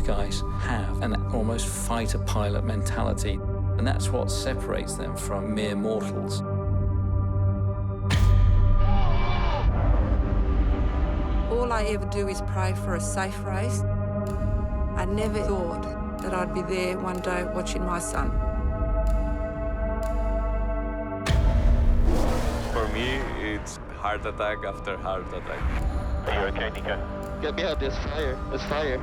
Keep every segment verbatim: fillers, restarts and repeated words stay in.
guys have an almost fighter pilot mentality, and that's what separates them from mere mortals. All I ever do is pray for a safe race. I never thought that I'd be there one day watching my son. For me, it's heart attack after heart attack. Are you okay, Nico? Get me out, there's fire, there's fire.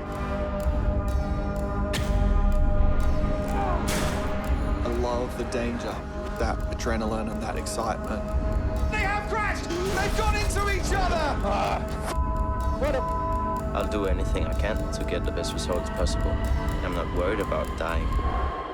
I love the danger, that adrenaline and that excitement. They have crashed! They've gone into each other! Ah, what a... I'll do anything I can to get the best results possible. I'm not worried about dying.